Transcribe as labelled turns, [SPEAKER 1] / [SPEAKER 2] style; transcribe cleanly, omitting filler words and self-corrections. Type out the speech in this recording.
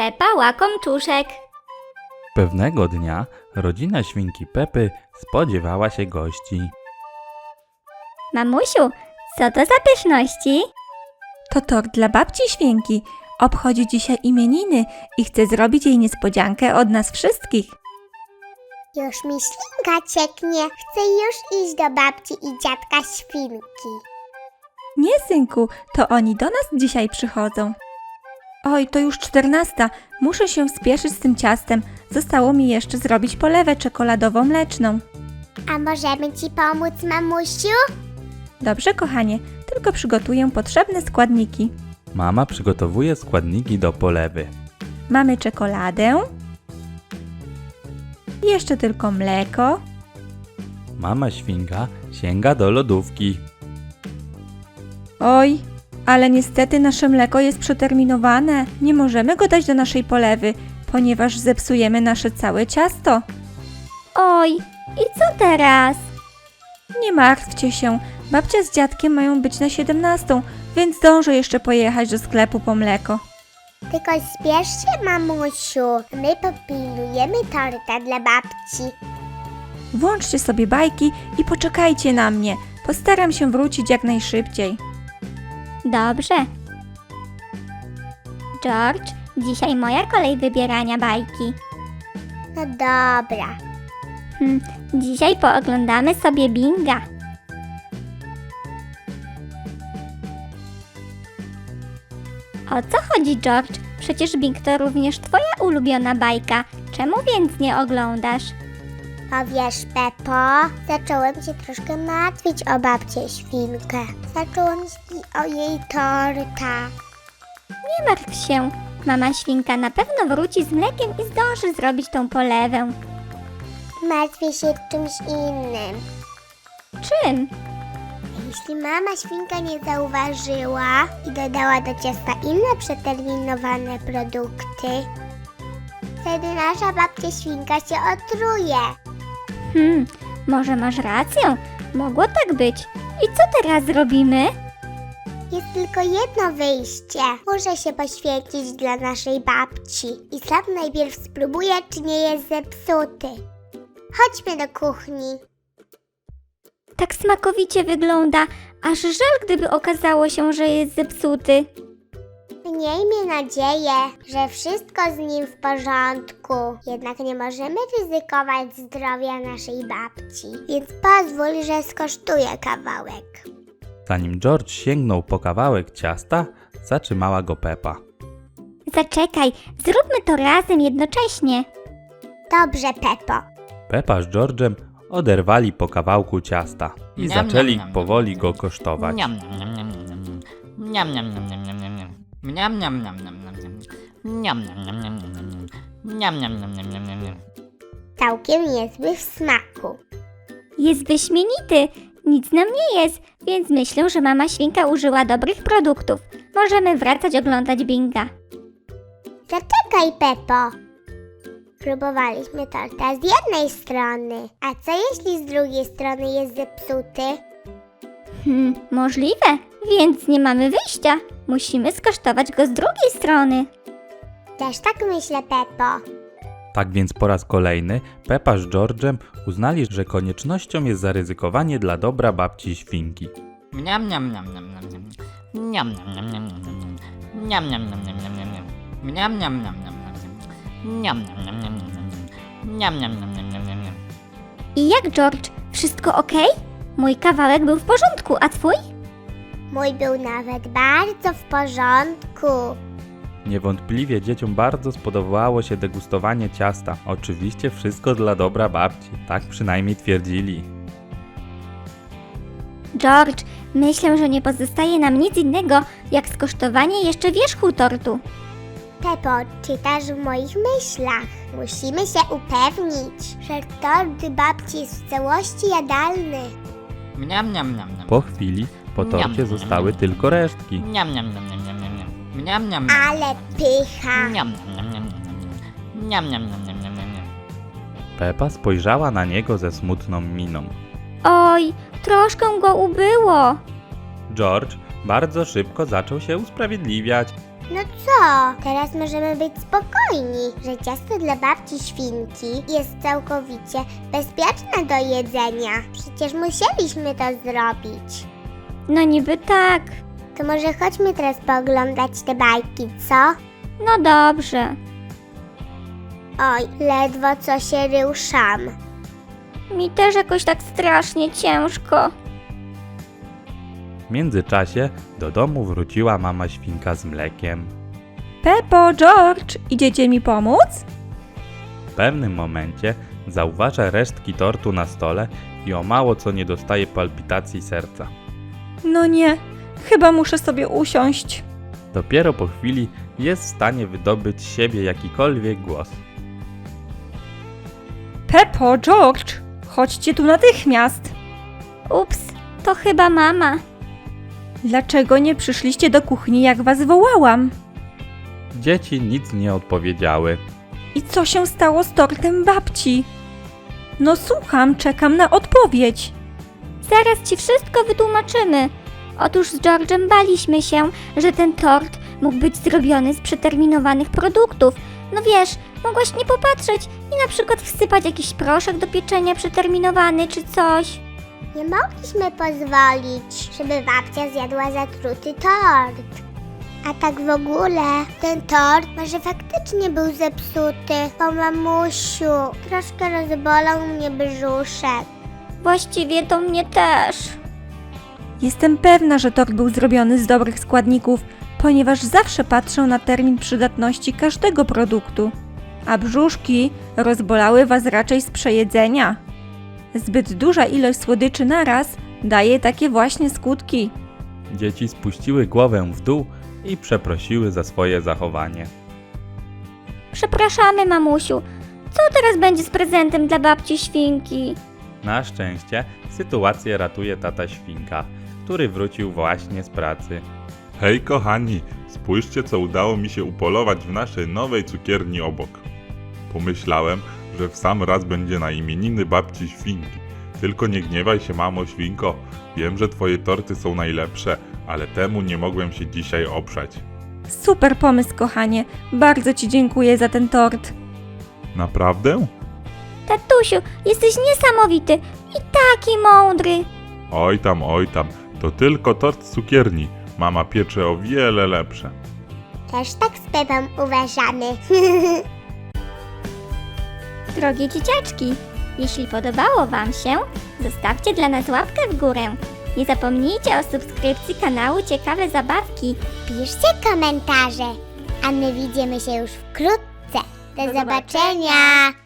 [SPEAKER 1] Pepa łakomczuszek.
[SPEAKER 2] Pewnego dnia rodzina świnki Pepy spodziewała się gości.
[SPEAKER 1] Mamusiu, co to za pyszności?
[SPEAKER 3] To tort dla babci świnki. Obchodzi dzisiaj imieniny i chce zrobić jej niespodziankę od nas wszystkich.
[SPEAKER 4] Już mi ślinka cieknie. Chcę już iść do babci i dziadka świnki.
[SPEAKER 3] Nie, synku, to oni do nas dzisiaj przychodzą. Oj, to już 14. Muszę się spieszyć z tym ciastem. Zostało mi jeszcze zrobić polewę czekoladowo-mleczną.
[SPEAKER 4] A możemy ci pomóc, mamusiu?
[SPEAKER 3] Dobrze, kochanie, tylko przygotuję potrzebne składniki.
[SPEAKER 2] Mama przygotowuje składniki do polewy.
[SPEAKER 3] Mamy czekoladę. Jeszcze tylko mleko.
[SPEAKER 2] Mama świnka sięga do lodówki.
[SPEAKER 3] Oj, ale niestety nasze mleko jest przeterminowane. Nie możemy go dać do naszej polewy, ponieważ zepsujemy nasze całe ciasto.
[SPEAKER 1] Oj, i co teraz?
[SPEAKER 3] Nie martwcie się, babcia z dziadkiem mają być na 17, więc zdążę jeszcze pojechać do sklepu po mleko.
[SPEAKER 4] Tylko spiesz się, mamusiu. My popilnujemy torta dla babci.
[SPEAKER 3] Włączcie sobie bajki i poczekajcie na mnie. Postaram się wrócić jak najszybciej.
[SPEAKER 1] Dobrze. George, dzisiaj moja kolej wybierania bajki.
[SPEAKER 4] No dobra.
[SPEAKER 1] Dzisiaj pooglądamy sobie Binga. O co chodzi, George? Przecież Bing to również twoja ulubiona bajka. Czemu więc nie oglądasz?
[SPEAKER 4] A wiesz, Pepo, zacząłem się troszkę martwić o babcię świnkę. Zacząłem myśleć o jej torta.
[SPEAKER 1] Nie martw się. Mama świnka na pewno wróci z mlekiem i zdąży zrobić tą polewę.
[SPEAKER 4] Martwię się czymś innym.
[SPEAKER 1] Czym?
[SPEAKER 4] Jeśli mama świnka nie zauważyła i dodała do ciasta inne przeterminowane produkty, wtedy nasza babcia świnka się otruje.
[SPEAKER 1] Może masz rację. Mogło tak być. I co teraz zrobimy?
[SPEAKER 4] Jest tylko jedno wyjście. Muszę się poświęcić dla naszej babci i sam najpierw spróbuję, czy nie jest zepsuty. Chodźmy do kuchni.
[SPEAKER 1] Tak smakowicie wygląda, aż żal, gdyby okazało się, że jest zepsuty.
[SPEAKER 4] Miejmy nadzieję, że wszystko z nim w porządku. Jednak nie możemy ryzykować zdrowia naszej babci, więc pozwól, że skosztuję kawałek.
[SPEAKER 2] Zanim George sięgnął po kawałek ciasta, zatrzymała go Pepa.
[SPEAKER 1] Zaczekaj, zróbmy to razem jednocześnie.
[SPEAKER 4] Dobrze, Pepo.
[SPEAKER 2] Pepa z George'em oderwali po kawałku ciasta i
[SPEAKER 5] Niam,
[SPEAKER 2] zaczęli
[SPEAKER 5] niam, niam,
[SPEAKER 2] powoli
[SPEAKER 5] niam.
[SPEAKER 2] go kosztować.
[SPEAKER 5] Niam, niam, niam, niam, niam, niam, niam, niam, niam, niam. Niam, niam, niam, niam, niam, niam. Niam, niam, niam, niam, niam, niam. Niam, niam, niam, niam, niam, niam, niam.
[SPEAKER 4] Całkiem niezły w smaku.
[SPEAKER 1] Jest wyśmienity, nic nam nie jest, więc myślę, że mama świnka użyła dobrych produktów. Możemy wracać oglądać Binga.
[SPEAKER 4] Zaczekaj, Pepo. Próbowaliśmy torta z jednej strony. A co jeśli z drugiej strony jest zepsuty?
[SPEAKER 1] Możliwe, więc nie mamy wyjścia. Musimy skosztować go z drugiej strony.
[SPEAKER 4] Też tak myślę, Pepo.
[SPEAKER 2] Tak więc po raz kolejny Pepa z George'em uznali, że koniecznością jest zaryzykowanie dla dobra babci świnki.
[SPEAKER 5] Niam, niam, niam, niam, niam, niam. Niam, niam, niam, niam, niam, niam. Niam, niam, niam, niam, niam, niam, niam. Niam, niam, niam, niam, niam, niam. Niam, niam, niam, niam, niam, niam. Niam, niam, niam, niam, niam, niam, niam.
[SPEAKER 1] I jak, George? Wszystko ok? Mój kawałek był w porządku, a twój?
[SPEAKER 4] Mój był nawet bardzo w porządku.
[SPEAKER 2] Niewątpliwie dzieciom bardzo spodobało się degustowanie ciasta. Oczywiście wszystko dla dobra babci, tak przynajmniej twierdzili.
[SPEAKER 1] George, myślę, że nie pozostaje nam nic innego, jak skosztowanie jeszcze wierzchu tortu.
[SPEAKER 4] Pepo, czytasz w moich myślach. Musimy się upewnić, że tort babci jest w całości jadalny.
[SPEAKER 5] Niam, niam, niam, niam.
[SPEAKER 2] Po chwili po torcie zostały tylko resztki.
[SPEAKER 5] Niam, niam, niam, niam, niam, niam, niam. Niam, niam,
[SPEAKER 4] Ale pycha.
[SPEAKER 5] niam, niam, niam, niam, niam. Niam, niam, niam, niam, niam, niam, niam.
[SPEAKER 2] Pepa spojrzała na niego ze smutną miną.
[SPEAKER 1] Oj, troszkę go ubyło.
[SPEAKER 2] George bardzo szybko zaczął się usprawiedliwiać.
[SPEAKER 4] No co? Teraz możemy być spokojni, że ciasto dla babci świnki jest całkowicie bezpieczne do jedzenia. Przecież musieliśmy to zrobić.
[SPEAKER 1] No niby tak.
[SPEAKER 4] To może chodźmy teraz pooglądać te bajki, co?
[SPEAKER 1] No dobrze.
[SPEAKER 4] Oj, ledwo co się ruszam.
[SPEAKER 1] Mi też jakoś tak strasznie ciężko.
[SPEAKER 2] W międzyczasie do domu wróciła mama świnka z mlekiem.
[SPEAKER 3] Peppo, George, idziecie mi pomóc?
[SPEAKER 2] W pewnym momencie zauważa resztki tortu na stole i o mało co nie dostaje palpitacji serca.
[SPEAKER 3] No nie, chyba muszę sobie usiąść.
[SPEAKER 2] Dopiero po chwili jest w stanie wydobyć z siebie jakikolwiek głos.
[SPEAKER 3] Peppo, George, chodźcie tu natychmiast.
[SPEAKER 1] Ups, to chyba mama.
[SPEAKER 3] Dlaczego nie przyszliście do kuchni, jak was wołałam?
[SPEAKER 2] Dzieci nic nie odpowiedziały.
[SPEAKER 3] I co się stało z tortem babci? No słucham, czekam na odpowiedź.
[SPEAKER 1] Zaraz ci wszystko wytłumaczymy. Otóż z George'em baliśmy się, że ten tort mógł być zrobiony z przeterminowanych produktów. No wiesz, mogłaś nie popatrzeć i na przykład wsypać jakiś proszek do pieczenia przeterminowany czy coś.
[SPEAKER 4] Nie mogliśmy pozwolić, żeby babcia zjadła zatruty tort. A tak w ogóle, ten tort może faktycznie był zepsuty, bo mamusiu, troszkę rozbolał mnie brzuszek.
[SPEAKER 1] Właściwie to mnie też.
[SPEAKER 3] Jestem pewna, że tort był zrobiony z dobrych składników, ponieważ zawsze patrzę na termin przydatności każdego produktu. A brzuszki rozbolały was raczej z przejedzenia. Zbyt duża ilość słodyczy naraz daje takie właśnie skutki.
[SPEAKER 2] Dzieci spuściły głowę w dół i przeprosiły za swoje zachowanie.
[SPEAKER 1] Przepraszamy, mamusiu. Co teraz będzie z prezentem dla babci świnki?
[SPEAKER 2] Na szczęście sytuację ratuje tata świnka, który wrócił właśnie z pracy.
[SPEAKER 6] Hej kochani, spójrzcie co udało mi się upolować w naszej nowej cukierni obok. Pomyślałem, że w sam raz będzie na imieniny babci świnki. Tylko nie gniewaj się mamo świnko, wiem, że twoje torty są najlepsze, ale temu nie mogłem się dzisiaj oprzeć.
[SPEAKER 3] Super pomysł, kochanie. Bardzo ci dziękuję za ten tort.
[SPEAKER 6] Naprawdę?
[SPEAKER 1] Tatusiu, jesteś niesamowity i taki mądry.
[SPEAKER 6] Oj tam, to tylko tort z cukierni. Mama piecze o wiele lepsze.
[SPEAKER 4] Też tak z Pepą uważamy.
[SPEAKER 1] Drogie dzieciaczki, jeśli podobało wam się, zostawcie dla nas łapkę w górę. Nie zapomnijcie o subskrypcji kanału Ciekawe Zabawki.
[SPEAKER 4] Piszcie komentarze, a my widzimy się już wkrótce. Do zobaczenia!